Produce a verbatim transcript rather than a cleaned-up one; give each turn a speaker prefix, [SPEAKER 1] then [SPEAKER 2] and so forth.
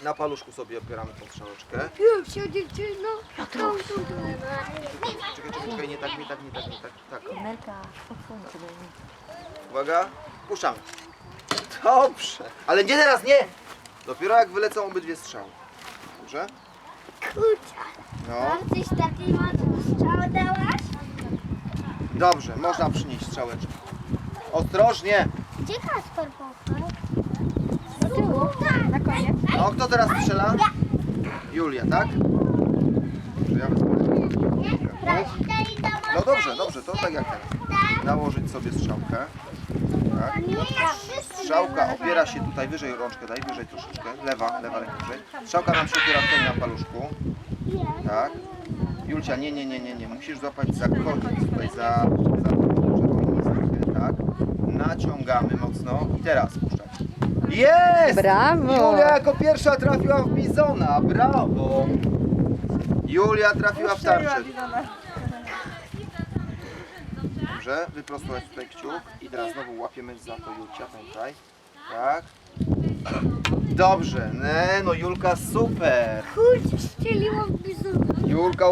[SPEAKER 1] Na paluszku sobie opieramy tą strzałeczkę.
[SPEAKER 2] Już się dziewczyno.
[SPEAKER 1] Czekaj, czekaj, czekaj, nie tak, nie tak, nie tak, nie tak, tak.
[SPEAKER 3] Melka, odsuń sobie.
[SPEAKER 1] Uwaga, puszczamy. Dobrze. Ale nie teraz, nie! Dopiero jak wylecą obydwie strzały. Dobrze?
[SPEAKER 2] Kurczę.
[SPEAKER 1] No.
[SPEAKER 2] Mam coś takiej mocnej strzały dałaś?
[SPEAKER 1] Dobrze, można przynieść strzałeczkę. Ostrożnie!
[SPEAKER 2] Gdzie Kasper poszedł? Do tyłu. Na koniec.
[SPEAKER 1] No, kto teraz strzela? Julia, tak? Dobrze, ja wezmę. No dobrze, dobrze, to tak jak teraz. Nałożyć sobie strzałkę. Tak. Strzałka opiera się tutaj wyżej, rączkę daj, wyżej troszeczkę. Lewa, lewa ręka wyżej. Strzałka nam się opiera tutaj na paluszku. Tak. Julcia, nie, nie, nie, nie, nie. Musisz złapać za koniec, tutaj za, za czerwoną listkę, tak. Naciągamy mocno i teraz puszczamy. Jest!
[SPEAKER 3] Brawo!
[SPEAKER 1] Julia jako pierwsza trafiła w bizona, brawo! Julia trafiła w tarczę. Dobrze, wyprostować tutaj kciuk i teraz znowu łapiemy za to Julcia, tutaj. Tak. Dobrze, ne, no Julka super!
[SPEAKER 2] Kurczę, strzeliłam w bizona.
[SPEAKER 1] Julka